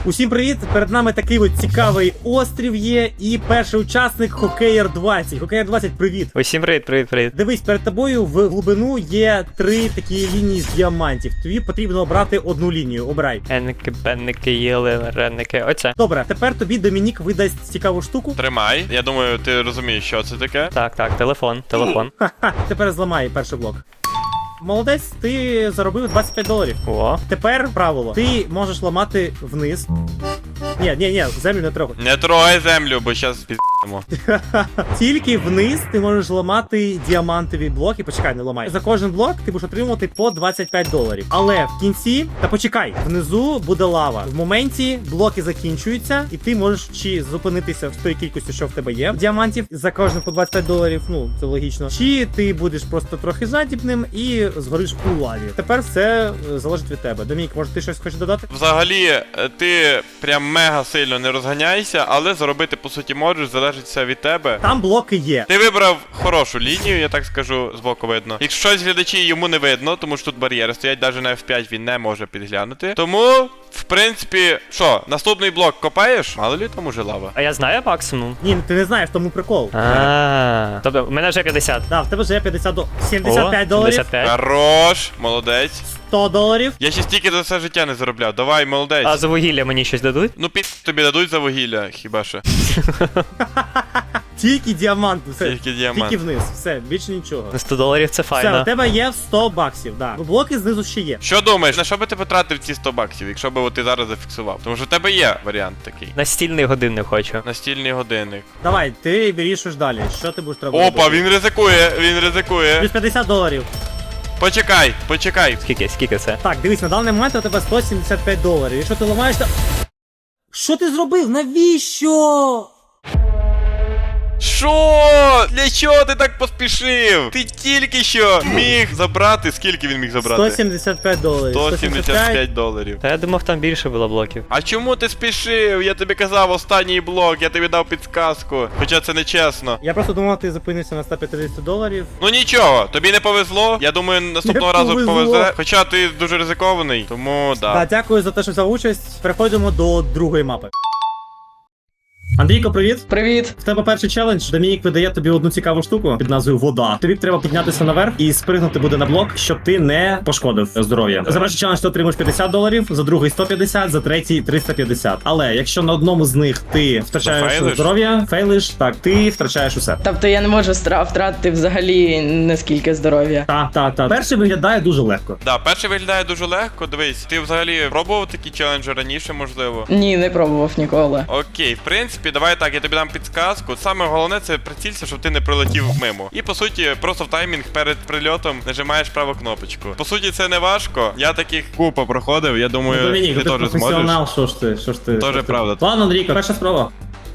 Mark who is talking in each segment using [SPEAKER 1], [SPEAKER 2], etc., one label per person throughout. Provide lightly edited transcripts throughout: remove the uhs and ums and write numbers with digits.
[SPEAKER 1] Усім привіт! Перед нами такий от цікавий острів є, і перший учасник Хокеєр 20. Хокеєр 20, привіт!
[SPEAKER 2] Усім привіт.
[SPEAKER 1] Дивись, перед тобою в глибину є 3 такі лінії з діамантів. Тобі потрібно обрати одну лінію. Обирай.
[SPEAKER 2] Енники, бенники, їли, ренники. Оце.
[SPEAKER 1] Добре, тепер тобі Домінік видасть цікаву штуку.
[SPEAKER 3] Тримай. Я думаю, ти розумієш, що це таке.
[SPEAKER 2] Так, телефон.
[SPEAKER 1] Ха-ха, тепер зламай перший блок. Молодець, ти заробив $25.
[SPEAKER 2] О.
[SPEAKER 1] Тепер правило. Ти можеш ламати вниз. Ні, землю не трогай.
[SPEAKER 3] Не трогай землю, бо зараз піздимо.
[SPEAKER 1] Тільки вниз ти можеш ламати діамантові блоки. Почекай, не ламай. За кожен блок ти будеш отримувати по $25. Але в кінці, та почекай, внизу буде лава. В моменті блоки закінчуються, і ти можеш чи зупинитися в той кількості, що в тебе є діамантів, за кожен по $25, ну це логічно. Чи ти будеш просто трохи жадібним і згориш у лаві. Тепер все залежить від тебе. Домінік, може ти щось хочеш додати?
[SPEAKER 3] Взагалі, ти прям мега сильно не розганяйся, але заробити по суті можеш, залежить все від тебе.
[SPEAKER 1] Там блоки є.
[SPEAKER 3] Ти вибрав хорошу лінію, я так скажу, збоку видно. Якщо щось глядачі йому не видно, тому що тут бар'єри стоять, навіть на F5 він не може підглянути. Тому, в принципі, що, наступний блок копаєш? Мало лі там уже лава.
[SPEAKER 2] А я знаю максимум.
[SPEAKER 1] Ні, ти не знаєш, тому прикол.
[SPEAKER 2] Тобто, у мене вже 50.
[SPEAKER 1] Да, в тебе вже є $75.
[SPEAKER 2] О, 75.
[SPEAKER 3] Хорош, молодець.
[SPEAKER 1] $100.
[SPEAKER 3] Я ще стільки за все життя не заробляв. Давай, молодець.
[SPEAKER 2] А за вугілля мені щось дадуть?
[SPEAKER 3] Ну тобі дадуть за вугілля, хіба що.
[SPEAKER 1] Тільки діаманти, все.
[SPEAKER 3] Тільки діамант.
[SPEAKER 1] Тільки вниз, все, більше нічого.
[SPEAKER 2] На $100 це
[SPEAKER 1] Все, у
[SPEAKER 2] файно.
[SPEAKER 1] тебе є $100, да. Блоки знизу ще є.
[SPEAKER 3] Що думаєш, на що би ти потратив ці $100, якщо б ти зараз зафіксував? Тому що в тебе є варіант такий.
[SPEAKER 2] Настільний годинник хочу.
[SPEAKER 3] Настільний годинник.
[SPEAKER 1] Давай, ти вирішуєш далі. Що ти будеш робити?
[SPEAKER 3] Опа, він ризикує.
[SPEAKER 1] Плюс $50.
[SPEAKER 3] Почекай.
[SPEAKER 2] Скільки це?
[SPEAKER 1] Так, дивись, на даний момент у тебе $175. Якщо ти ламаєш, то... Що ти зробив? Навіщо?
[SPEAKER 3] Що? Для чого ти так поспішив? Ти тільки що міг забрати, скільки він міг забрати?
[SPEAKER 1] $175.
[SPEAKER 3] $175.
[SPEAKER 2] Та я думав, там більше було блоків.
[SPEAKER 3] А чому ти спішив? Я тобі казав останній блок, я тобі дав підсказку. Хоча це не чесно.
[SPEAKER 1] Я просто думав, ти зупинився на $150.
[SPEAKER 3] Ну нічого, тобі не повезло. Я думаю, наступного
[SPEAKER 1] Не
[SPEAKER 3] разу
[SPEAKER 1] повезло.
[SPEAKER 3] повезе. Хоча ти дуже ризикований, тому да.
[SPEAKER 1] Так, дякую за те, що взяв участь. Переходимо до другої мапи. Андрійко, привіт.
[SPEAKER 4] Привіт!
[SPEAKER 1] В тебе перший челендж. Домінік видає тобі одну цікаву штуку під назвою вода. Тобі треба піднятися наверх і спригнути буде на блок, щоб ти не пошкодив здоров'я. За перший челендж ти отримаєш $50, за другий 150, за третій 350. Але якщо на одному з них ти втрачаєш
[SPEAKER 3] Зафейлиш?
[SPEAKER 1] здоров'я, фейлиш, так, ти втрачаєш усе.
[SPEAKER 4] Тобто я не можу втратити взагалі наскільки здоров'я.
[SPEAKER 1] Так. Перший виглядає дуже легко.
[SPEAKER 3] Да, перший виглядає дуже легко. Дивись, ти взагалі пробував такі челенджі раніше, можливо?
[SPEAKER 4] Ні, не пробував ніколи.
[SPEAKER 3] Окей, в принципі, давай так, я тобі дам підсказку. Саме головне це прицілься, щоб ти не прилетів мимо. І по суті, просто в таймінг перед прильотом нажимаєш праву кнопочку. По суті, це не важко. Я таких купа проходив, я думаю,
[SPEAKER 1] Домінік,
[SPEAKER 3] ти
[SPEAKER 1] ти
[SPEAKER 3] теж зможеш.
[SPEAKER 1] професіонал, що ж ти.
[SPEAKER 3] Тоже правда.
[SPEAKER 1] Ладно, Андрійко, перша спроба.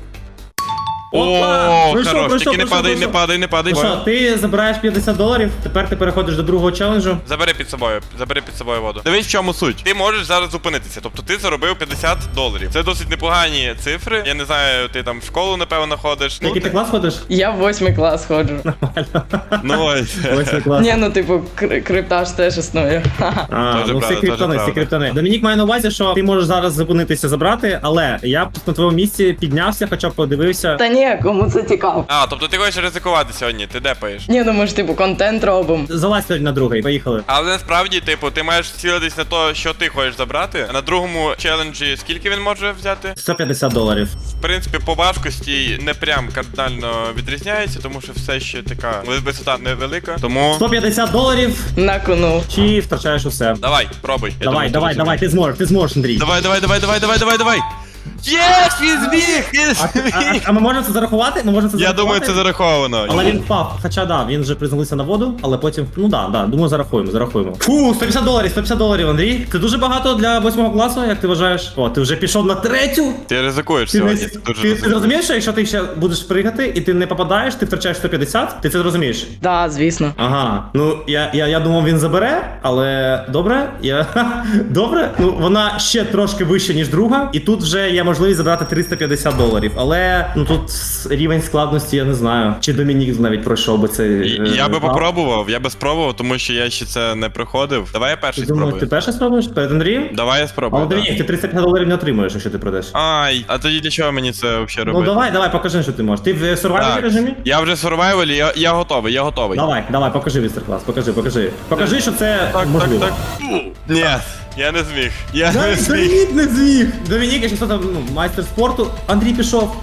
[SPEAKER 3] О,
[SPEAKER 1] Пройшов,
[SPEAKER 3] хорош, тільки не
[SPEAKER 1] пройшов.
[SPEAKER 3] падай.
[SPEAKER 1] Ну що, ти забираєш $50, тепер ти переходиш до другого челенджу.
[SPEAKER 3] Забери під собою воду. Дивись, в чому суть. Ти можеш зараз зупинитися. Тобто ти заробив $50. Це досить непогані цифри. Я не знаю, ти там в школу, напевно, ходиш.
[SPEAKER 1] Який ти клас ходиш?
[SPEAKER 4] Я в 8 клас ходжу.
[SPEAKER 3] Ну ось.
[SPEAKER 1] Восьмий клас.
[SPEAKER 4] Ні, ну типу, криптаж теж існує.
[SPEAKER 1] А,
[SPEAKER 3] Тоже
[SPEAKER 1] ну
[SPEAKER 3] правда,
[SPEAKER 1] всі криптони,
[SPEAKER 3] тоже
[SPEAKER 1] всі криптони. Домінік має на увазі, що ти можеш зараз зупинитися забрати, але я б на твоєму місці піднявся, хоча б подивився.
[SPEAKER 4] Та ні, кому це цікаво.
[SPEAKER 3] А, тобто ти хочеш ризикувати сьогодні, ти депаєш.
[SPEAKER 4] Ні, ну ми ж типу контент робимо.
[SPEAKER 1] Залазь сьогодні на другий, поїхали.
[SPEAKER 3] Але насправді, типу, ти маєш цілитись на те, що ти хочеш забрати. А на другому челенджі скільки він може взяти?
[SPEAKER 1] $150.
[SPEAKER 3] В принципі, по важкості не прям кардинально відрізняється, тому що все ще така висота невелика. Тому.
[SPEAKER 1] $150
[SPEAKER 4] На кону.
[SPEAKER 1] чи втрачаєш усе.
[SPEAKER 3] Давай, пробуй. Я
[SPEAKER 1] Давай,
[SPEAKER 3] думаю,
[SPEAKER 1] давай, ти зможеш, Андрій.
[SPEAKER 3] Давай. Єс, він зміг!
[SPEAKER 1] А ми можемо це зарахувати?
[SPEAKER 3] Я думаю, це зараховано.
[SPEAKER 1] Але він впав, хоча да, він вже приземлився на воду, але потім, ну да, думаю, зарахуємо. Фу, $150, Андрій. Це дуже багато для 8 класу, як ти вважаєш? О, ти вже пішов на третю.
[SPEAKER 3] Ти ризикуєш
[SPEAKER 1] Ти,
[SPEAKER 3] сьогодні.
[SPEAKER 1] ти розумієш, що якщо ти ще будеш пригати і ти не попадаєш, ти втрачаєш 150, ти це розумієш?
[SPEAKER 4] Да, звісно.
[SPEAKER 1] Ага, ну я думав він забере, але добре, добре, ну вона ще трошки вища, ніж друга, і тут вже є можливість забрати 350 доларів. Але ну тут рівень складності я не знаю. Чи Домінік навіть пройшов би цей.
[SPEAKER 3] Я би
[SPEAKER 1] етап.
[SPEAKER 3] попробував, я би спробував, тому що я ще це не проходив. Давай я перший
[SPEAKER 1] Ти думаєш, ти
[SPEAKER 3] спробую.
[SPEAKER 1] перший спробуєш перед Андрієм?
[SPEAKER 3] Давай я спробую.
[SPEAKER 1] Але Домінік, ти 350 доларів не отримуєш, якщо ти пройдеш.
[SPEAKER 3] Ай, а тоді для чого мені це взагалі
[SPEAKER 1] Ну
[SPEAKER 3] робити?
[SPEAKER 1] давай, покажи, що ти можеш. Ти в сурвайвері
[SPEAKER 3] Так,
[SPEAKER 1] режимі?
[SPEAKER 3] я вже в сурвайвалі, я готовий, я готовий.
[SPEAKER 1] Давай, покажи містер-клас, покажи. Покажи, що це можливо.
[SPEAKER 3] Ні, я не зміг. Я не
[SPEAKER 1] Навіть
[SPEAKER 3] зміг.
[SPEAKER 1] Домінік не зміг. Домінік, якщо хто там майстер спорту. Андрій пішов.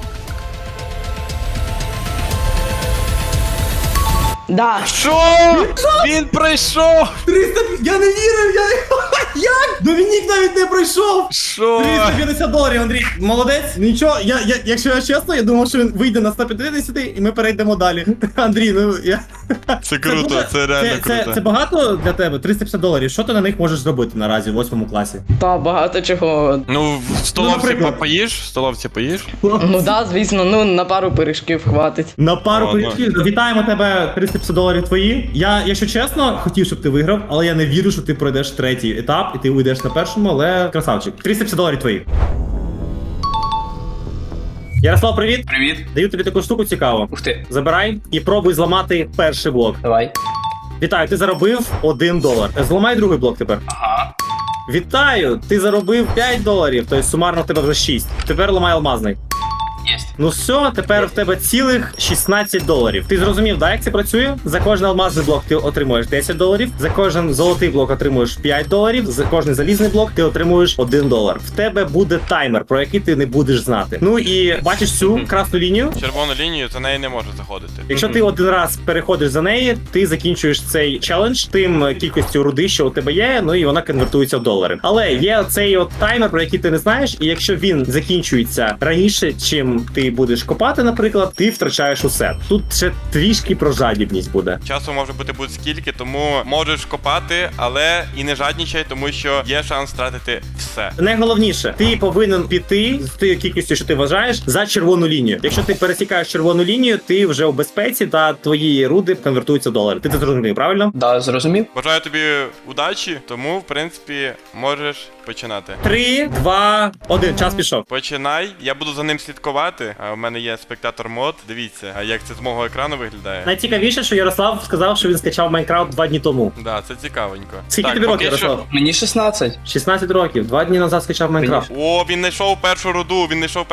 [SPEAKER 4] Да.
[SPEAKER 3] Що? Він пройшов!
[SPEAKER 1] 300... Я не вірив, Як? Домінік навіть не пройшов!
[SPEAKER 3] Що?
[SPEAKER 1] 350 доларів, Андрій. Молодець. Нічого, якщо я чесно, я думав, що він вийде на 150 і ми перейдемо далі. Андрій, ну я...
[SPEAKER 3] Це круто,
[SPEAKER 1] дуже-
[SPEAKER 3] це реально круто.
[SPEAKER 1] Це багато для тебе? 350 доларів. Що ти на них можеш зробити наразі в 8 класі?
[SPEAKER 4] Та багато чого.
[SPEAKER 3] Ну, в столовці
[SPEAKER 1] наприклад.
[SPEAKER 3] поїш? В столовці поїш?
[SPEAKER 4] Ну да, звісно, ну на пару пиріжків хватить.
[SPEAKER 1] На пару
[SPEAKER 3] Ладно.
[SPEAKER 1] пиріжків. Вітаємо тебе, 350 доларів твої. Я, якщо чесно, хотів, щоб ти виграв, але я не вірю, що ти пройдеш третій етап і ти уйдеш на першому, але красавчик. 350 доларів твої. Ярослав, привіт.
[SPEAKER 5] Привіт.
[SPEAKER 1] Даю тобі таку штуку цікаву.
[SPEAKER 5] Ух ти.
[SPEAKER 1] Забирай і пробуй зламати перший блок.
[SPEAKER 5] Давай.
[SPEAKER 1] Вітаю, ти заробив $1. Зламай другий блок тепер.
[SPEAKER 5] Ага.
[SPEAKER 1] Вітаю, ти заробив $5, тобто сумарно в тебе вже 6. Тепер ламай алмазний.
[SPEAKER 5] Єсть.
[SPEAKER 1] Ну все, тепер в тебе цілих $16. Ти зрозумів, да, як це працює? За кожен алмазний блок ти отримуєш $10, за кожен золотий блок отримуєш $5, за кожен залізний блок ти отримуєш $1. В тебе буде таймер, про який ти не будеш знати. Ну і бачиш цю красну лінію?
[SPEAKER 3] Червону лінію, за неї не може заходити.
[SPEAKER 1] Якщо ти один раз переходиш за неї, ти закінчуєш цей челендж тим кількістю руди, що у тебе є, ну і вона конвертується в долари. Але є цей от таймер, про який ти не знаєш, і якщо він закінчується раніше, чим ти будеш копати, наприклад, ти втрачаєш усе. Тут ще трішки про жадібність буде.
[SPEAKER 3] Часу може бути будь-скільки, тому можеш копати, але і не жаднічай, тому що є шанс втратити все.
[SPEAKER 1] Найголовніше, ти повинен піти з тією кількістю, що ти вважаєш, за червону лінію. Якщо ти пересікаєш червону лінію, ти вже у безпеці та твої руди конвертуються в долари. Ти це зрозумів, правильно?
[SPEAKER 5] Да, зрозумів?
[SPEAKER 3] Бажаю тобі удачі, тому, в принципі, можеш починати.
[SPEAKER 1] 3, 2, 1, час пішов.
[SPEAKER 3] Починай, я буду за ним слідкувати. У мене є спектатор мод. Дивіться, як це з мого екрану виглядає.
[SPEAKER 1] Найцікавіше, що Ярослав сказав, що він скачав Майнкрафт 2 дні тому.
[SPEAKER 3] Да, це цікавенько.
[SPEAKER 1] Скільки
[SPEAKER 3] Так,
[SPEAKER 1] тобі
[SPEAKER 3] поки
[SPEAKER 1] років,
[SPEAKER 3] що-
[SPEAKER 1] Ярослав?
[SPEAKER 5] Мені 16.
[SPEAKER 1] 16 років, 2 дні назад скачав Майнкрафт.
[SPEAKER 3] О, він знайшов першу руду,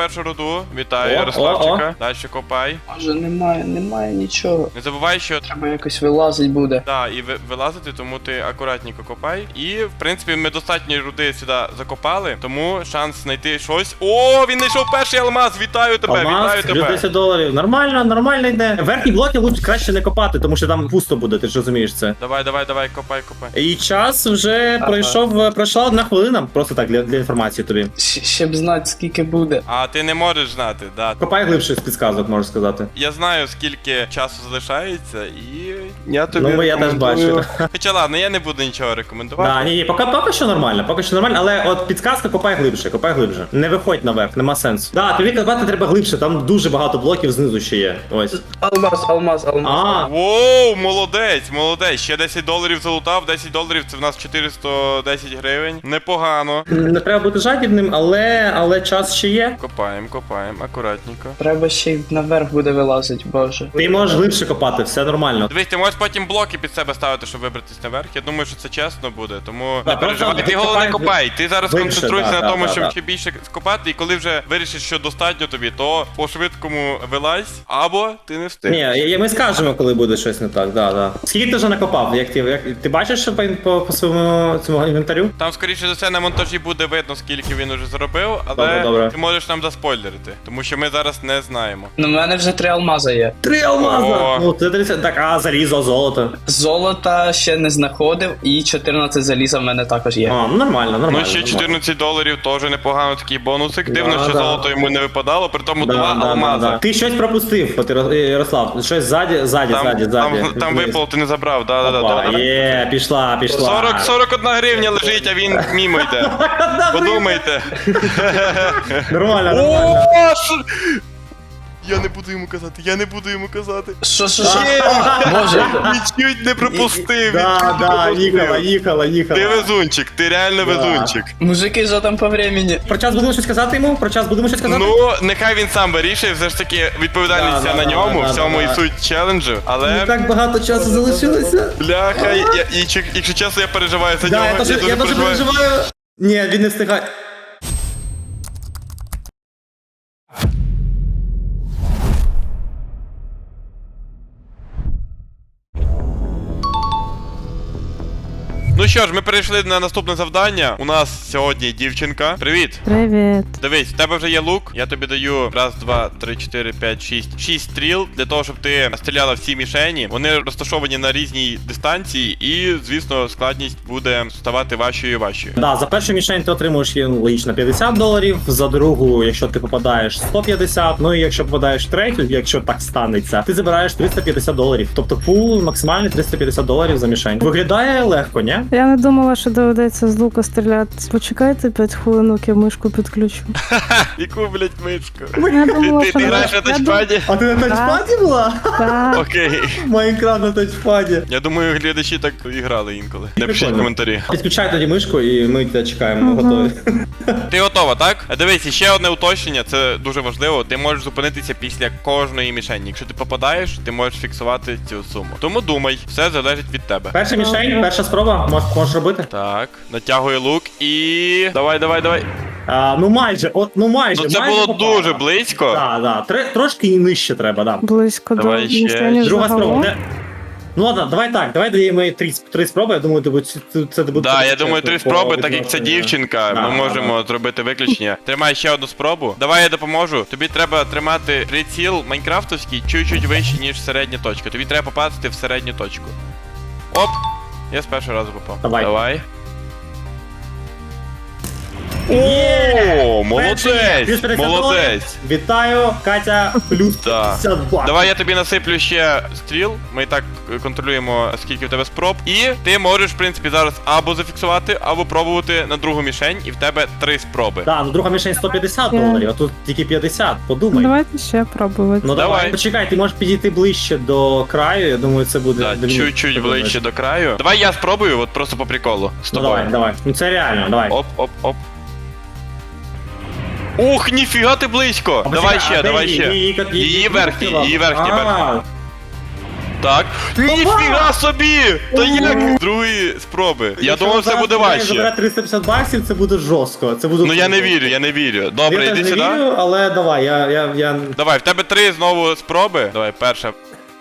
[SPEAKER 3] Вітаю,
[SPEAKER 1] О,
[SPEAKER 3] Ярославчика. Далі копай.
[SPEAKER 5] Може, немає нічого.
[SPEAKER 3] Не забувай, що
[SPEAKER 5] Треба якось вилазить буде.
[SPEAKER 3] так, і вилазити, тому ти акуратненько копай. І, в принципі, ми достатньо руди сюди закопали, тому шанс знайти щось. О, він знайшов перший алмаз! Вітаю тебе,
[SPEAKER 1] Алмаз,
[SPEAKER 3] вітаю
[SPEAKER 1] плюс
[SPEAKER 3] тебе!
[SPEAKER 1] 10 доларів. Нормально йде. Верхні блоки лучше краще не копати, тому що там пусто буде, ти ж розумієш це.
[SPEAKER 3] Давай, копай.
[SPEAKER 1] І час вже
[SPEAKER 5] Ага.
[SPEAKER 1] пройшла 1 хвилина, просто так для інформації тобі.
[SPEAKER 5] Ще б знати, скільки буде.
[SPEAKER 3] А ти не можеш знати, да.
[SPEAKER 1] Копай глибше з підсказок, можу сказати.
[SPEAKER 3] Я знаю, скільки часу залишається, і я тобі
[SPEAKER 1] Ну, я теж
[SPEAKER 3] рекомендую.
[SPEAKER 1] бачу.
[SPEAKER 3] Хоча ладно, я не буду нічого рекомендувати.
[SPEAKER 1] Да, ні, поки що нормально, але от підсказка копай глибше. Не виходь наверх, нема сенсу. Да, тобі копати треба глибше, там дуже багато блоків знизу ще є. Ось.
[SPEAKER 5] Алмаз.
[SPEAKER 1] А,
[SPEAKER 3] Воу, молодець. Ще $10 залутав, $10 це в нас 410 гривень. Непогано.
[SPEAKER 1] не треба бути жадібним, але час ще є.
[SPEAKER 3] Копаємо, акуратненько.
[SPEAKER 5] Треба ще й наверх буде вилазить, боже.
[SPEAKER 1] Ти можеш глибше копати, все нормально.
[SPEAKER 3] Дивись, ти можеш потім блоки під себе ставити, щоб вибратись наверх. Я думаю, що це чесно буде, тому
[SPEAKER 1] Да,
[SPEAKER 3] не переживай.
[SPEAKER 1] просто
[SPEAKER 3] Ти головне
[SPEAKER 1] копай
[SPEAKER 3] копай. Ти зараз
[SPEAKER 1] глибше,
[SPEAKER 3] концентруйся
[SPEAKER 1] да,
[SPEAKER 3] на тому,
[SPEAKER 1] да,
[SPEAKER 3] щоб
[SPEAKER 1] да.
[SPEAKER 3] ще більше скопати, і коли вже вирішиш, що достатньо тобі, то по швидкому вилазь, або ти не встигнеш.
[SPEAKER 1] Ні, ми скажемо, коли буде щось не так, да. Скільки ти вже накопав? Ти бачиш що по своєму цьому інвентарю?
[SPEAKER 3] Там, скоріше за все, на монтажі буде видно, скільки він уже зробив, але
[SPEAKER 1] Добре.
[SPEAKER 3] ти можеш нам заспойлерити, тому що ми зараз не знаємо.
[SPEAKER 5] Ну, в мене вже 3 алмази є.
[SPEAKER 1] 3 алмаза!
[SPEAKER 3] О.
[SPEAKER 1] Ну, це 30... Так, залізо, золото.
[SPEAKER 5] Золота ще не знаходив, і 14 заліза в мене також є.
[SPEAKER 1] А, ну нормально.
[SPEAKER 3] Ну, ще $14 теж непогано такий бонусик. Дивно,
[SPEAKER 1] Да,
[SPEAKER 3] що
[SPEAKER 1] да.
[SPEAKER 3] золото йому не випадало, при тому 2 алмаза.
[SPEAKER 1] Ти щось пропустив, от, Ярослав. Щось ззаді.
[SPEAKER 3] Там випало, ти не забрав, да.
[SPEAKER 1] Є, пішла.
[SPEAKER 3] 41 гривня лежить, а він мімо йде. Подумайте.
[SPEAKER 1] Нормально.
[SPEAKER 3] О, Я не буду йому казати, я не буду йому казати.
[SPEAKER 5] Що? Боже.
[SPEAKER 3] Нічуть не пропустив.
[SPEAKER 1] Да, їхала.
[SPEAKER 3] Ти везунчик, ти реально
[SPEAKER 1] Да.
[SPEAKER 3] везунчик.
[SPEAKER 5] Мужики, що там по времени?
[SPEAKER 1] Про час будемо щось казати йому? Про час будемо щось казати?
[SPEAKER 3] Ну, нехай він сам вирішує, все ж таки відповідальність
[SPEAKER 1] Да,
[SPEAKER 3] на
[SPEAKER 1] да,
[SPEAKER 3] ньому,
[SPEAKER 1] да,
[SPEAKER 3] в цьому
[SPEAKER 1] да,
[SPEAKER 3] і
[SPEAKER 1] да.
[SPEAKER 3] суть челенджу, але...
[SPEAKER 1] Так багато часу залишилося.
[SPEAKER 3] Бляха, якщо чесно, я переживаю за нього.
[SPEAKER 1] Да, я дуже переживаю. Ні, він не встигає.
[SPEAKER 3] Ну що ж, ми перейшли на наступне завдання. У нас сьогодні дівчинка. Привіт.
[SPEAKER 6] Привіт.
[SPEAKER 3] Дивись, в тебе вже є лук. Я тобі даю раз, два, три, чотири, п'ять, шість. 6 стріл для того, щоб ти стріляла в ці мішені. Вони розташовані на різній дистанції, і, звісно, складність буде ставати важчою і важчою.
[SPEAKER 1] Да, за першу мішень ти отримуєш логічно $50, за другу, якщо ти попадаєш, 150, ну і якщо попадаєш в третю, якщо так станеться, ти забираєш $350. Тобто пул максимальний $350 за мішень. Виглядає легко, ні?
[SPEAKER 6] Я не думала, що доведеться з лука стріляти. Почекайте 5 хвилинок, я мишку підключу.
[SPEAKER 3] Яку, блять, мишку?
[SPEAKER 6] Я думала,
[SPEAKER 3] Ти
[SPEAKER 6] що
[SPEAKER 3] граєш на тачпаді?
[SPEAKER 1] А ти на тачпаді була?
[SPEAKER 6] Так.
[SPEAKER 3] Окей.
[SPEAKER 1] Майнкрафт на тачпаді.
[SPEAKER 3] Я думаю, глядачі так і грали інколи. Напишіть
[SPEAKER 1] Прикольно.
[SPEAKER 3] коментарі.
[SPEAKER 1] Підключай тоді мишку і ми тебе чекаємо, ми готові.
[SPEAKER 3] Ти готова, так? Дивись, ще одне уточнення, це дуже важливо. Ти можеш зупинитися після кожної мішені. Якщо ти попадаєш, ти можеш фіксувати цю суму. Тому думай, все залежить від тебе.
[SPEAKER 1] Перша мішень, перша спроба, можеш робити.
[SPEAKER 3] Так, натягує лук і. Давай.
[SPEAKER 1] Ну майже, майже.
[SPEAKER 3] Ну це
[SPEAKER 1] майже
[SPEAKER 3] було
[SPEAKER 1] попала.
[SPEAKER 3] дуже близько.
[SPEAKER 1] Да. Трошки і нижче треба, да.
[SPEAKER 6] Близько
[SPEAKER 3] Давай
[SPEAKER 6] до
[SPEAKER 3] ще.
[SPEAKER 6] мішені
[SPEAKER 1] Друга спроба.
[SPEAKER 6] загалом.
[SPEAKER 1] Ну ладно, давай так, давай даємо їй три спроби, я думаю, це буде...
[SPEAKER 3] Да, я думаю, 3 спроби, так як це дівчинка,
[SPEAKER 1] Да,
[SPEAKER 3] ми можемо зробити виключення. Тримай ще одну спробу. Давай я допоможу. Тобі треба тримати приціл майнкрафтовський чуть-чуть вище, ніж середня точка. Тобі треба попасти в середню точку. Оп! Я з першого разу попав.
[SPEAKER 1] Давай.
[SPEAKER 3] О,
[SPEAKER 1] Перший є. Плюс
[SPEAKER 3] молодець!
[SPEAKER 1] 50
[SPEAKER 3] Молодець!
[SPEAKER 1] доларів. Вітаю, Катя, плюс
[SPEAKER 3] Да.
[SPEAKER 1] 50 баксів.
[SPEAKER 3] Давай я тобі насиплю ще стріл. Ми і так контролюємо, скільки в тебе спроб. І ти можеш, в принципі, зараз або зафіксувати, або пробувати на другу мішень, і в тебе 3 спроби.
[SPEAKER 1] Да, ну друга мішень $150, а тут тільки 50, подумай.
[SPEAKER 6] Давайте ще пробувати.
[SPEAKER 1] Ну давай.
[SPEAKER 3] Давай.
[SPEAKER 1] Почекай, ти можеш підійти ближче до краю, я думаю, це буде...
[SPEAKER 3] Да,
[SPEAKER 1] дивніше.
[SPEAKER 3] чуть-чуть
[SPEAKER 1] Ти думаєш?
[SPEAKER 3] ближче до краю. Давай я спробую, от просто по приколу. З
[SPEAKER 1] Ну
[SPEAKER 3] тобою.
[SPEAKER 1] давай. Ну це реально, давай.
[SPEAKER 3] Оп. Ух, ніфіга ти близько!
[SPEAKER 1] А
[SPEAKER 3] Давай
[SPEAKER 1] почекай,
[SPEAKER 3] ще,
[SPEAKER 1] а де
[SPEAKER 3] давай ще. Її верхній. Так. Ніфіга собі! То як? Другої спроби. Я думав, це буде важче.
[SPEAKER 1] Забирати $350, це буде жорстко. Це буде
[SPEAKER 3] Ну я не вірю. Добре,
[SPEAKER 1] я
[SPEAKER 3] йди
[SPEAKER 1] теж не
[SPEAKER 3] сюди.
[SPEAKER 1] вірю, але давай, я...
[SPEAKER 3] Давай, в тебе 3 знову спроби. Давай, перша.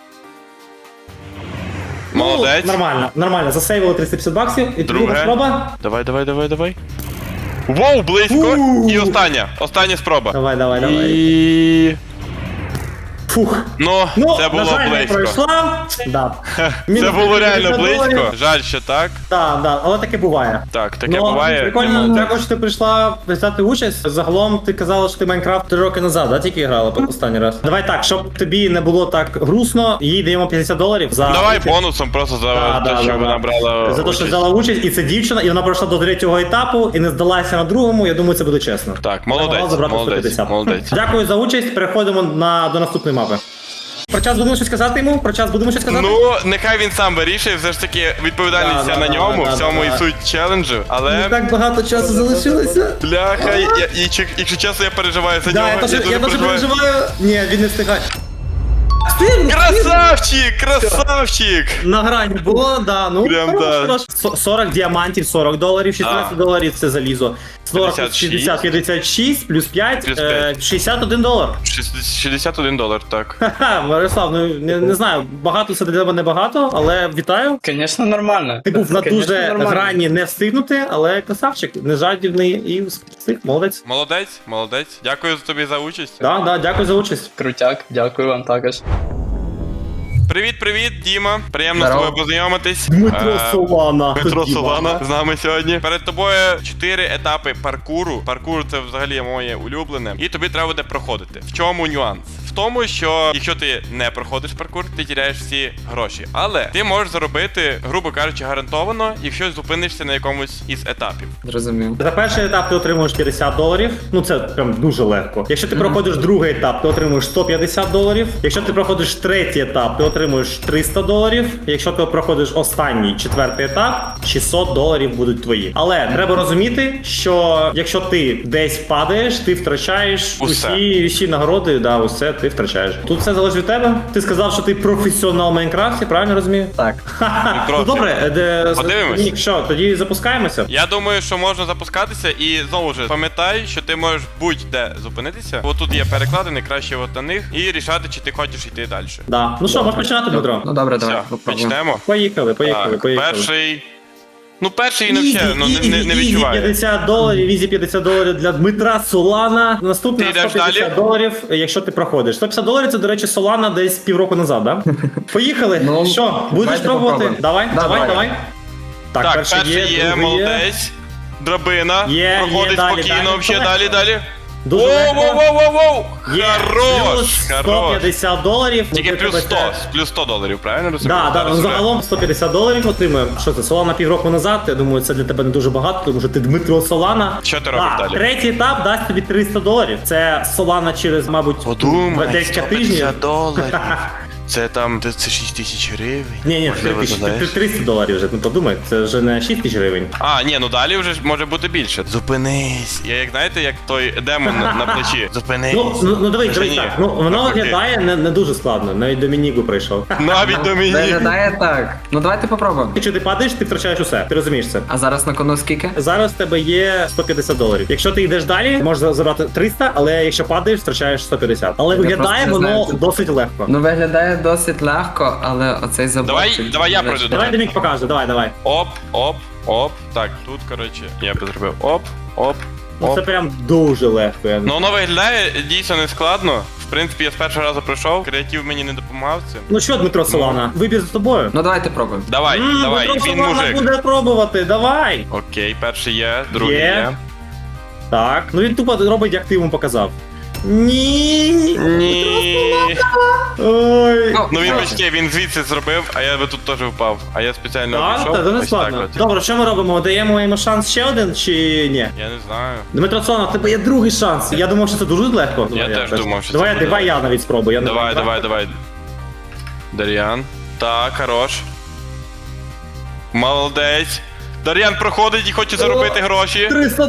[SPEAKER 3] Молодець.
[SPEAKER 1] Ну, нормально, засейвили $350, і друга
[SPEAKER 3] Друге.
[SPEAKER 1] спроба.
[SPEAKER 3] Давай. Воу, близько. І остання спроба.
[SPEAKER 1] Давай.
[SPEAKER 3] І...
[SPEAKER 1] Фух.
[SPEAKER 3] Ну, це
[SPEAKER 1] на
[SPEAKER 3] було
[SPEAKER 1] жаль, не
[SPEAKER 3] близько.
[SPEAKER 1] пройшла. Да.
[SPEAKER 3] Це
[SPEAKER 1] Мінус
[SPEAKER 3] було реально
[SPEAKER 1] $350.
[SPEAKER 3] близько. Жаль, що так.
[SPEAKER 1] Да, але таке буває.
[SPEAKER 3] Так, таке буває.
[SPEAKER 1] Прикольно, дякую, що ти прийшла взяти участь. Загалом ти казала, що ти Майнкрафт 3 роки назад, да, тільки грала останній раз. Давай так, щоб тобі не було так грустно, їй даємо $50 за
[SPEAKER 3] Давай
[SPEAKER 1] участь.
[SPEAKER 3] бонусом просто за те, що вона брала.
[SPEAKER 1] За те, що
[SPEAKER 3] участь.
[SPEAKER 1] взяла участь, і це дівчина, і вона пройшла до 3-го етапу і не здалася на другому. Я думаю, це буде чесно.
[SPEAKER 3] Так,
[SPEAKER 1] Могла
[SPEAKER 3] молодець,
[SPEAKER 1] забрати
[SPEAKER 3] молодець,
[SPEAKER 1] 150.
[SPEAKER 3] молодець.
[SPEAKER 1] Дякую за участь. Переходимо до наступної мапи. Про час будемо щось казати йому?
[SPEAKER 3] Ну, нехай він сам вирішує, все ж таки відповідальність
[SPEAKER 1] Да,
[SPEAKER 3] вся на
[SPEAKER 1] да,
[SPEAKER 3] ньому,
[SPEAKER 1] да,
[SPEAKER 3] в цьому
[SPEAKER 1] да.
[SPEAKER 3] і суть челенджу, але...
[SPEAKER 1] Так багато часу залишилося.
[SPEAKER 3] Бляха, якщо чесно, я переживаю за нього.
[SPEAKER 1] Да, я дуже переживаю. Ні, він не встигає.
[SPEAKER 3] Красавчик!
[SPEAKER 1] На грані було, да, ну
[SPEAKER 3] Прям
[SPEAKER 1] хорош. 40 діамантів, $40, 16 доларів це залізо. 40, 60, 56, плюс 5,
[SPEAKER 3] Плюс 5.
[SPEAKER 1] $61.
[SPEAKER 3] $61, так.
[SPEAKER 1] Ха-ха, Мирослав, ну не знаю, багато це для тебе небагато, але вітаю.
[SPEAKER 5] Звісно, нормально.
[SPEAKER 1] Ти був на
[SPEAKER 5] Конечно,
[SPEAKER 1] дуже
[SPEAKER 5] нормально.
[SPEAKER 1] грані не встигнути, але красавчик, не жадібний і встиг, молодець.
[SPEAKER 3] Молодець. Дякую тобі за участь.
[SPEAKER 1] Да, дякую за участь.
[SPEAKER 5] Крутяк, дякую вам також.
[SPEAKER 3] Привіт, Діма. Приємно
[SPEAKER 5] Здорово.
[SPEAKER 3] з тобою познайомитись.
[SPEAKER 1] Дмитро Солана.
[SPEAKER 3] Дмитро
[SPEAKER 1] Діма.
[SPEAKER 3] Солана з нами сьогодні. Перед тобою 4 етапи паркуру. Паркур це взагалі моє улюблене. І тобі треба буде проходити. В чому нюанс? В тому, що якщо ти не проходиш паркур, ти тіряєш всі гроші. Але ти можеш заробити, грубо кажучи, гарантовано, якщо зупинишся на якомусь із етапів.
[SPEAKER 7] Зрозумів.
[SPEAKER 1] За перший етап ти отримуєш $50. Ну це прям дуже легко. Якщо ти проходиш другий етап, ти отримуєш $150. Якщо ти проходиш третій етап, ти отримуєш $300. Якщо ти проходиш останній четвертий етап, $600 будуть твої. Але треба розуміти, що якщо ти десь падаєш, ти втрачаєш
[SPEAKER 3] Усе.
[SPEAKER 1] усі нагороди, да, усе ти втрачаєш. Тут все залежить від тебе. Ти сказав, що ти професіонал в Майнкрафті, правильно розумію?
[SPEAKER 7] Так.
[SPEAKER 1] Ха-ха. Ну
[SPEAKER 3] трохи.
[SPEAKER 1] добре,
[SPEAKER 3] Подивимось.
[SPEAKER 1] Ні, що, тоді запускаємося.
[SPEAKER 3] Я думаю, що можна запускатися і знову ж пам'ятай, що ти можеш будь-де зупинитися. Бо тут є перекладини, краще от на них, і рішати, чи ти хочеш йти далі.
[SPEAKER 1] Да. Ну що, можеш починати, Дмитро?
[SPEAKER 7] Ну добре, давай.
[SPEAKER 3] Все,
[SPEAKER 7] попробуємо.
[SPEAKER 3] почнемо.
[SPEAKER 1] Поїхали.
[SPEAKER 3] Так, перший. Ну, перший він взагалі не
[SPEAKER 1] Ізі
[SPEAKER 3] відчуває.
[SPEAKER 1] $50, ізі $50 для Дмитра Солана. Наступний
[SPEAKER 3] Ти йдеш
[SPEAKER 1] $150, якщо ти проходиш. $150 це, до речі, Солана десь півроку назад, да? Поїхали.
[SPEAKER 7] Ну,
[SPEAKER 1] Що, будеш
[SPEAKER 7] давайте
[SPEAKER 1] пробувати?
[SPEAKER 7] попробуємо.
[SPEAKER 1] Давай.
[SPEAKER 7] Давай.
[SPEAKER 3] Так, перший є,
[SPEAKER 1] другий
[SPEAKER 3] молодець. Драбина.
[SPEAKER 1] Є,
[SPEAKER 3] Проходить
[SPEAKER 1] далі,
[SPEAKER 3] спокійно,
[SPEAKER 1] далі.
[SPEAKER 3] взагалі, далі.
[SPEAKER 1] Дуже легко.
[SPEAKER 3] Воу-воу-воу-воу-воу!
[SPEAKER 1] Є.
[SPEAKER 3] Хорош,
[SPEAKER 1] Плюс
[SPEAKER 3] хорош.
[SPEAKER 1] $150.
[SPEAKER 3] Тільки
[SPEAKER 1] Ну,
[SPEAKER 3] плюс
[SPEAKER 1] тебе
[SPEAKER 3] 100,
[SPEAKER 1] це-
[SPEAKER 3] плюс $100, правильно розумію?
[SPEAKER 1] Да,
[SPEAKER 3] Зараз
[SPEAKER 1] ну,
[SPEAKER 3] вже.
[SPEAKER 1] загалом $150 отримуємо. Що це, Солана півроку назад? Я думаю, це для тебе не дуже багато, тому що ти Дмитро Солана.
[SPEAKER 3] Що ти робиш далі?
[SPEAKER 1] Третій етап дасть тобі $300. Це Солана через, мабуть,
[SPEAKER 3] Подумай,
[SPEAKER 1] декілька тижнів.
[SPEAKER 3] $150. Це там, це 6 тисяч гривень.
[SPEAKER 1] Ні,
[SPEAKER 3] Можливо, знаєш.
[SPEAKER 1] $300 вже, ну подумай, це вже не 6 тисяч гривень.
[SPEAKER 3] А, ні, ну далі вже ж може бути більше. Зупинись. Я як знаєте, як той демон на плечі. Зупинись.
[SPEAKER 1] Ну дивись,
[SPEAKER 3] Вже ні.
[SPEAKER 1] так. Ну воно
[SPEAKER 3] Навпаки.
[SPEAKER 1] виглядає не дуже складно, навіть до Мінігу прийшов.
[SPEAKER 3] Навіть до мені.
[SPEAKER 7] Виглядає так. Ну давайте попробуємо.
[SPEAKER 1] Якщо ти падаєш, ти втрачаєш усе, ти розумієш це.
[SPEAKER 7] А зараз на кону скільки?
[SPEAKER 1] Зараз в тебе є $150. Якщо ти йдеш далі, можеш забрати 300, але якщо падаєш, втрачаєш 150. Але
[SPEAKER 7] Я
[SPEAKER 1] виглядає
[SPEAKER 7] просто не
[SPEAKER 1] воно
[SPEAKER 7] знаю,
[SPEAKER 1] досить легко.
[SPEAKER 7] Ну виглядає досить легко, але оцей заборчик...
[SPEAKER 3] Давай я пройду.
[SPEAKER 1] Давай Демік покаже, давай.
[SPEAKER 3] Оп. Так, тут, коротше, я би зробив оп.
[SPEAKER 1] Ну це прям дуже легко.
[SPEAKER 3] Ну воно виглядає дійсно не складно. В принципі, я з першого разу пройшов, креатив мені не допомагав цим.
[SPEAKER 1] Ну що, Дмитро Солана, вибір за тобою.
[SPEAKER 7] Ну давайте пробуємо.
[SPEAKER 3] Давай,
[SPEAKER 1] Дмитро
[SPEAKER 3] він
[SPEAKER 1] Солана
[SPEAKER 3] мужик.
[SPEAKER 1] буде пробувати, давай.
[SPEAKER 3] Окей, перший є, другий
[SPEAKER 1] Є.
[SPEAKER 3] є.
[SPEAKER 1] Так, ну він тупо робить, як ти йому показав. Ні.
[SPEAKER 3] Ні.
[SPEAKER 1] Ой.
[SPEAKER 3] Ну він почти, він звідси зробив, а я би тут теж впав. А я спеціально
[SPEAKER 1] Так,
[SPEAKER 3] обійшов.
[SPEAKER 1] це дуже
[SPEAKER 3] Ось
[SPEAKER 1] складно.
[SPEAKER 3] так от.
[SPEAKER 1] Добре, що ми робимо? Даємо йому шанс ще один чи ні?
[SPEAKER 3] Я не знаю.
[SPEAKER 1] Дмитро Солана, в тебе є другий шанс. Я думав, що це дуже легко.
[SPEAKER 3] Я теж думав, що це
[SPEAKER 1] давай,
[SPEAKER 3] буде
[SPEAKER 1] давай я навіть спробую. Я не
[SPEAKER 3] Давай.
[SPEAKER 1] знаю.
[SPEAKER 3] Дар'ян. Так, хорош. Молодець. Дар'ян проходить і хоче заробити гроші.
[SPEAKER 1] 300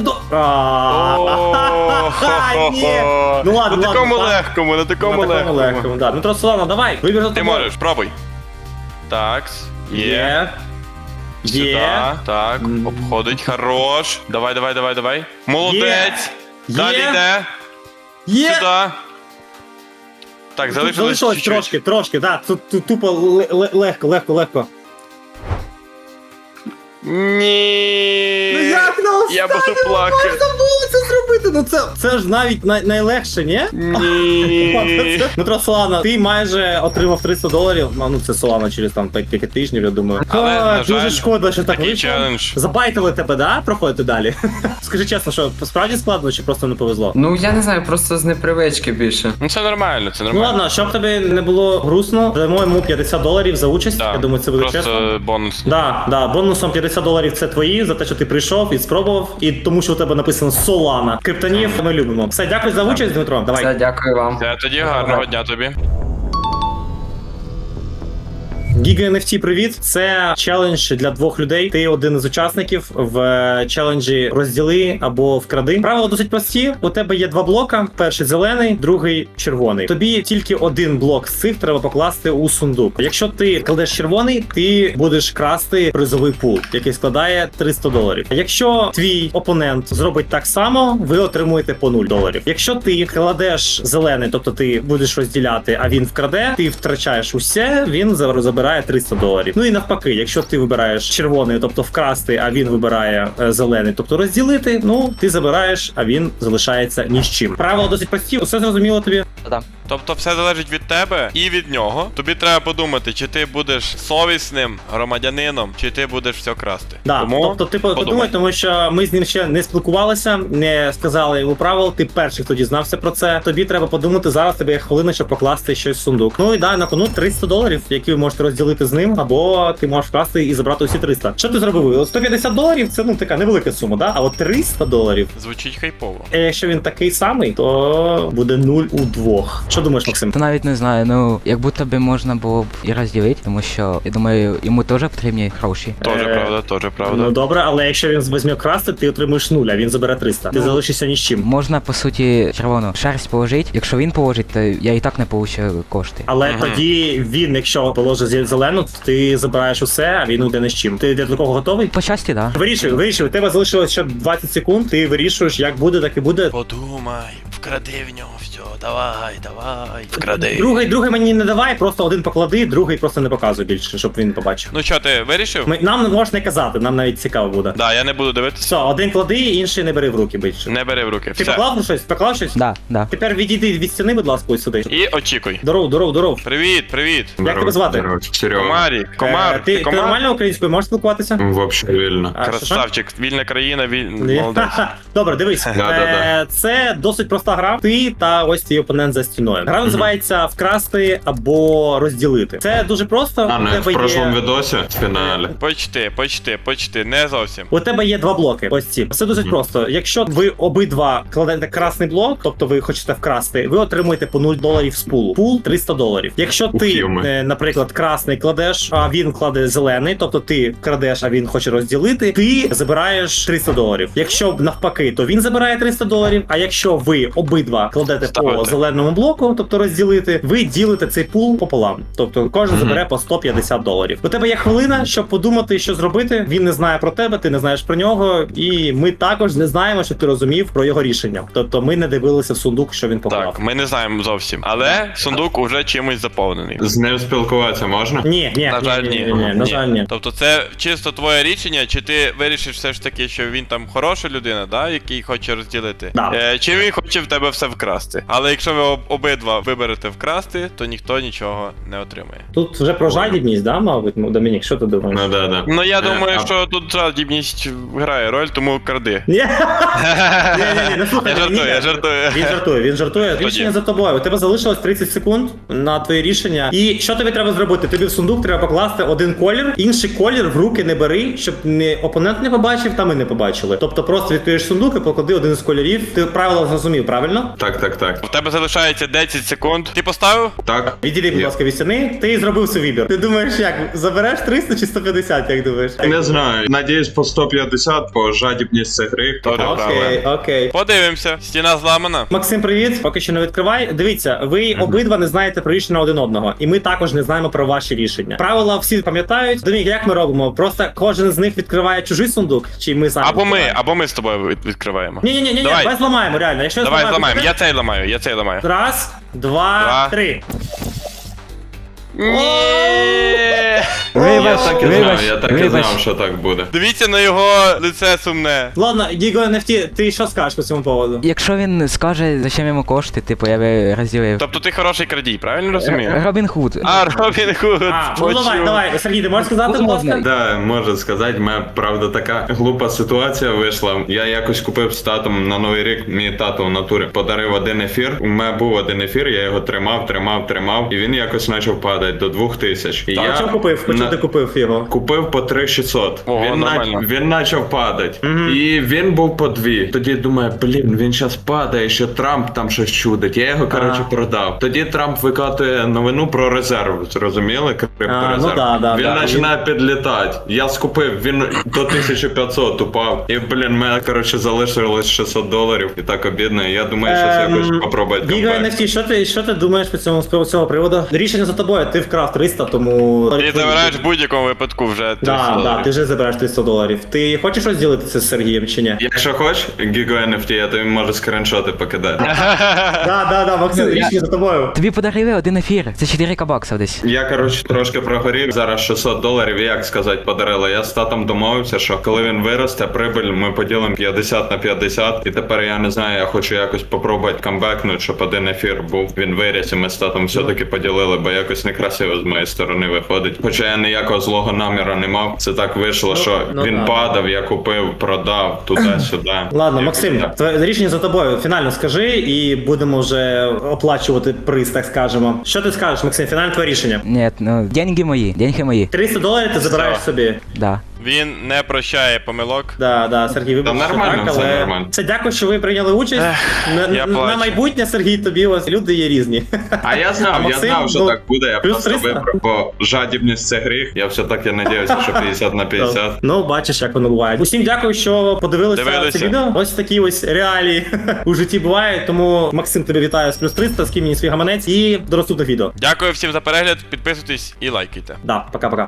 [SPEAKER 1] Ні. Ну ладно,
[SPEAKER 3] На такому
[SPEAKER 1] ладно, так.
[SPEAKER 3] легкому, на такому
[SPEAKER 1] На такому
[SPEAKER 3] легкому.
[SPEAKER 1] легкому, да. Дмитро Солана, давай, вибір за
[SPEAKER 3] Ти
[SPEAKER 1] тобою.
[SPEAKER 3] можеш, пробуй. Так, є.
[SPEAKER 1] Є.
[SPEAKER 3] Сюди,
[SPEAKER 1] Є.
[SPEAKER 3] так, обходить, хорош. Давай. Молодець.
[SPEAKER 1] Є.
[SPEAKER 3] Далі йде.
[SPEAKER 1] Є.
[SPEAKER 3] Сюди. Так, залишилось
[SPEAKER 1] Залишилось
[SPEAKER 3] чуть-чуть.
[SPEAKER 1] трошки, да. Тут тупо легко.
[SPEAKER 3] Ні.
[SPEAKER 1] Ну як на
[SPEAKER 3] Я буду
[SPEAKER 1] останньому
[SPEAKER 3] плакати.
[SPEAKER 1] можна було це зробити? Ну це ж навіть найлегше, ні?
[SPEAKER 3] Ні.
[SPEAKER 1] Дмитро Солана, ти майже отримав $300. Ну це Солана через там кілька тижнів, я думаю.
[SPEAKER 3] Але, на
[SPEAKER 1] Дуже
[SPEAKER 3] жаль,
[SPEAKER 1] шкода, що так
[SPEAKER 3] такий
[SPEAKER 1] вийшло.
[SPEAKER 3] челендж.
[SPEAKER 1] Забайтили тебе, да? Проходити далі. Скажи чесно, що справді складно чи просто не повезло?
[SPEAKER 7] Ну я не знаю, просто з непривички більше.
[SPEAKER 3] Ну це нормально, це
[SPEAKER 1] Ну
[SPEAKER 3] нормально.
[SPEAKER 1] ладно, щоб тобі не було грустно, дамо йому $50 за участь.
[SPEAKER 3] Да,
[SPEAKER 1] Я думаю, це буде
[SPEAKER 3] просто
[SPEAKER 1] чесно.
[SPEAKER 3] бонус.
[SPEAKER 1] Да, бонусом $50 це твої за те, що ти прийшов і спробував, і тому, що у тебе написано Солана. Криптонів ми любимо. Все, дякую за участь, Дмитро. Давай.
[SPEAKER 7] Все, дякую вам.
[SPEAKER 3] Тоді гарного дня тобі.
[SPEAKER 1] Giga NFT, привіт. Це челендж для двох людей. Ти один із учасників в челенджі розділи або вкради. Правила досить прості. У тебе є два блока: перший зелений, другий червоний. Тобі тільки один блок з цих треба покласти у сундук. Якщо ти кладеш червоний, ти будеш красти призовий пул, який складає $300. Якщо твій опонент зробить так само, ви отримуєте по $0. Якщо ти кладеш зелений, тобто ти будеш розділяти, а він вкраде, ти втрачаєш усе, він забирає $300. Ну і навпаки, якщо ти вибираєш червоний, тобто вкрасти, а він вибирає зелений, тобто розділити, ну ти забираєш, а він залишається ні з чим. Правила досить прості, усе зрозуміло тобі?
[SPEAKER 3] Тобто все залежить від тебе і від нього. Тобі треба подумати, чи ти будеш совісним громадянином, чи ти будеш все красти.
[SPEAKER 1] Да, тобто ти подумай, тому що ми з ним ще не спілкувалися, не сказали йому правил, ти перший, хто дізнався про це. Тобі треба подумати, зараз тебе є хвилина, щоб покласти щось в сундук. Ну і да, на кону $300, які ви можете розділити з ним, або ти можеш вкрасти і забрати усі 300. Що ти зробив? $150 це ну така невелика сума, да? А от $300.
[SPEAKER 3] Звучить хайпово.
[SPEAKER 1] Якщо він такий самий, то буде 0 у двох. Що думаєш, Максим?
[SPEAKER 8] Та навіть не знаю, ну як будто би можна було б і розділити, тому що я думаю, йому теж потрібні гроші.
[SPEAKER 3] Тоже правда, тоже правда.
[SPEAKER 1] Ну добре, але якщо він візьме красти, ти отримуєш 0, а він забере 300. Ти залишишся ні з чим.
[SPEAKER 8] Можна по суті червону шерсть положити. Якщо він положить, то я і так не получу кошти.
[SPEAKER 1] Але тоді він, якщо положить зелену, то ти забираєш усе, а він йде ні з чим. Ти до такого готовий?
[SPEAKER 8] По часті, так.
[SPEAKER 1] Вирішуй. У тебе залишилось ще 20 секунд, ти вирішуєш, як буде, так і буде.
[SPEAKER 3] Подумай, вкради в нього все, давай, вкради.
[SPEAKER 1] Другий мені не давай, просто один поклади, другий просто не показуй більше, щоб він побачив.
[SPEAKER 3] Ну що, ти вирішив?
[SPEAKER 1] Нам не можеш не казати, нам навіть цікаво буде.
[SPEAKER 3] Да, я не буду дивитися.
[SPEAKER 1] Все, один клади, інший не бери в руки більше.
[SPEAKER 3] Не бери в руки.
[SPEAKER 1] Ти
[SPEAKER 3] Все.
[SPEAKER 1] поклав щось? Поклав щось?
[SPEAKER 8] Да.
[SPEAKER 1] Тепер відійди від стіни, будь ласка, ось сюди.
[SPEAKER 3] І очікуй.
[SPEAKER 1] Здоров.
[SPEAKER 3] Привіт.
[SPEAKER 1] Як тебе звати?
[SPEAKER 9] Серега.
[SPEAKER 3] Комар.
[SPEAKER 1] Ти нормально українською можеш спілкуватися?
[SPEAKER 9] Вообще вільно.
[SPEAKER 1] А, що?
[SPEAKER 3] Красавчик, вільна країна,
[SPEAKER 1] Ні.
[SPEAKER 3] молодець.
[SPEAKER 1] Добре, дивись.
[SPEAKER 9] Да.
[SPEAKER 1] Це досить проста гра. Ти та ось твій опонент за стіною. Гра називається вкрасти або розділити. Це дуже просто.
[SPEAKER 9] А,
[SPEAKER 1] У
[SPEAKER 9] не в
[SPEAKER 1] тебе
[SPEAKER 9] прошлому
[SPEAKER 1] є...
[SPEAKER 9] відосі в фіналі.
[SPEAKER 3] Почти, не зовсім.
[SPEAKER 1] У тебе є два блоки. Ось ці. Все досить просто. Якщо ви обидва кладете красний блок, тобто ви хочете вкрасти, ви отримуєте по $0 з пулу. Пул $300. Якщо ти,
[SPEAKER 9] Ухилми.
[SPEAKER 1] наприклад, красний кладеш, а він кладе зелений, тобто ти крадеш, а він хоче розділити, ти забираєш $300. Якщо навпаки, то він забирає $300, а якщо ви обидва кладете по
[SPEAKER 3] Ставите.
[SPEAKER 1] зеленому блоку, тобто розділити, ви ділите цей пул пополам. Тобто кожен забере по $150. У тебе є хвилина, щоб подумати, що зробити. Він не знає про тебе, ти не знаєш про нього, і ми також не знаємо, що ти розумів про його рішення. Тобто ми не дивилися в сундук, що він поклав.
[SPEAKER 3] Так, ми не знаємо зовсім. Але сундук уже чимось заповнений.
[SPEAKER 9] З ним спілкуватися можна?
[SPEAKER 1] Ні,
[SPEAKER 3] На жаль, ні.
[SPEAKER 1] на жаль, ні.
[SPEAKER 3] Тобто це чисто твоє рішення, чи ти вирішиш все ж таки, що він там хороша людина, да, який хоче розділити?
[SPEAKER 1] Да.
[SPEAKER 3] Чи він хоче в тебе все вкрасти? Але якщо ви обидва виберете вкрасти, то ніхто нічого не отримає.
[SPEAKER 1] Тут вже про жадібність, да, мабуть, Домінік, що ти думаєш?
[SPEAKER 9] Ну да.
[SPEAKER 3] Ну я думаю,
[SPEAKER 9] а-
[SPEAKER 3] що тут жадібність грає роль, тому кради.
[SPEAKER 1] Ні, ну слухай,
[SPEAKER 3] Я жартую.
[SPEAKER 1] Він жартує. Рішення за тобою. У тебе залишилось 30 секунд на твоє рішення. І що тобі треба зробити? Тобі в сундук треба покласти один колір, інший колір в руки не бери, щоб не опонент не побачив, та ми не побачили. Тобто просто відкриєш сундук і поклади один з кольорів. Ти правила зрозумів, правильно?
[SPEAKER 9] Так.
[SPEAKER 3] У тебе залишається 10 секунд. Ти поставив?
[SPEAKER 9] Так.
[SPEAKER 1] Відійди, будь ласка, від стіни. Ти зробив свій вибір. Ти думаєш, як забереш 300 чи 150, як думаєш?
[SPEAKER 9] Не знаю. Надіюсь, по 150, по жадібність це гри.
[SPEAKER 3] Тоже правильно.
[SPEAKER 1] Окей.
[SPEAKER 3] Подивимося. Стіна зламана.
[SPEAKER 1] Максим, привіт. Поки що не відкривай. Дивіться, ви обидва не знаєте про рішення один одного, і ми також не знаємо про ваші рішення. Правила всі пам'ятають. Домік, як ми робимо? Просто кожен з них відкриває чужий сундук, чи ми самі
[SPEAKER 3] Або ми з тобою відкриваємо.
[SPEAKER 1] Ні,
[SPEAKER 3] Давай.
[SPEAKER 1] давай зламаємо, реально. Якщо
[SPEAKER 3] Давай
[SPEAKER 1] зламаємо,
[SPEAKER 3] зламаємо. Я цей ламаю.
[SPEAKER 1] Раз, два,
[SPEAKER 3] Два.
[SPEAKER 1] три.
[SPEAKER 8] Вибач,
[SPEAKER 9] Я так і знав, що так буде.
[SPEAKER 3] Дивіться на його лице сумне.
[SPEAKER 1] Ладно, Діго NFT, ти що скажеш по цьому поводу?
[SPEAKER 8] Якщо він скаже, зачем йому кошти, типу я би розділив.
[SPEAKER 3] Тобто ти хороший крадій, правильно розумію?
[SPEAKER 8] Робін Худ.
[SPEAKER 3] А, Робін Худ.
[SPEAKER 1] Ну давай, Сергій, ти можеш сказати, будь ласка?
[SPEAKER 9] Да, можу сказати, в мене правда така глупа ситуація вийшла. Я якось купив з татом на Новий рік, мій тато в натурі подарив один ефір. У мене був один ефір, я його тримав, і він якось почав падати до 2000. І
[SPEAKER 1] А чому купив? По чому ти купив його?
[SPEAKER 9] Купив по 3600.
[SPEAKER 3] Ого, нормально.
[SPEAKER 9] Він почав падати. І він був по 2. Тоді думаю, він зараз падає, що Трамп там щось чудить. Я його, коротше, продав. Тоді Трамп викатує новину про резерв. Зрозуміли? Крипторезерв.
[SPEAKER 1] Ну да.
[SPEAKER 9] Він починає підлітати. Я скупив, він до 1500 упав. І, мене, коротше, залишилось $600. І так обідно. Я думаю, що це якось попробувати
[SPEAKER 1] Діго
[SPEAKER 9] камбек.
[SPEAKER 1] NFT, що ти думаєш по цього приводу? Рішення за тобою, ти вкрав 300, тому...
[SPEAKER 3] Ти забираєш забираєш в будь-якому випадку вже 300
[SPEAKER 1] Да,
[SPEAKER 3] доларів.
[SPEAKER 1] ти вже забираєш $300. Ти хочеш розділитися з Сергієм чи ні?
[SPEAKER 9] Якщо хочеш, Gigo NFT, я тобі можу скріншоти покидати.
[SPEAKER 1] Да, Максим, річні за тобою.
[SPEAKER 8] Тобі подарили один ефір. Це 4 баксів десь.
[SPEAKER 9] Я, коротше, трошки прогорів. Зараз $600, і як сказати, подарили. Я з татом домовився, що коли він виросте, прибиль ми поділимо 50 на 50. І тепер я не знаю, я хочу якось попробувати камбекнути, щоб один ефір був. Він виріс, і ми з татом все-таки поділили, бо якось некрасиво з моєї сторони виходить. Хоча я ніякого злого наміру не мав. Це так вийшло, що він
[SPEAKER 1] да.
[SPEAKER 9] падав, я купив, продав туди-сюди.
[SPEAKER 1] Ладно,
[SPEAKER 9] Якось
[SPEAKER 1] Максим,
[SPEAKER 9] так.
[SPEAKER 1] твоє рішення за тобою. Фінально скажи і будемо вже оплачувати приз, так скажемо. Що ти скажеш, Максим? Фінальне твоє рішення.
[SPEAKER 8] Ні, ну, деньги мої,
[SPEAKER 1] $300 ти забираєш собі.
[SPEAKER 8] Да.
[SPEAKER 3] Він не прощає помилок.
[SPEAKER 1] Да, Сергій, вибач,
[SPEAKER 9] Та
[SPEAKER 1] що
[SPEAKER 9] нормально,
[SPEAKER 1] так,
[SPEAKER 9] все
[SPEAKER 1] але...
[SPEAKER 9] нормально.
[SPEAKER 1] Це дякую, що ви прийняли участь.
[SPEAKER 3] я
[SPEAKER 1] На
[SPEAKER 3] плачу.
[SPEAKER 1] майбутнє, Сергій, тобі ось люди є різні.
[SPEAKER 9] А я знав,
[SPEAKER 1] Максим,
[SPEAKER 9] що
[SPEAKER 1] ну,
[SPEAKER 9] так буде, я
[SPEAKER 1] плюс
[SPEAKER 9] просто
[SPEAKER 1] 300.
[SPEAKER 9] вибрав, бо жадібність це гріх. Я все-таки надіюся, що 50 на 50.
[SPEAKER 1] Ну, бачиш, як воно буває. Усім дякую, що подивилися
[SPEAKER 3] Дивилися.
[SPEAKER 1] це відео. Ось такі ось реалії у житті бувають. Тому Максим, тобі вітаю з плюс 300, скинь мені свій гаманець і до наступних відео.
[SPEAKER 3] Дякую всім за перегляд, підписуйтесь і лайкайте.
[SPEAKER 1] Да, пока-пока.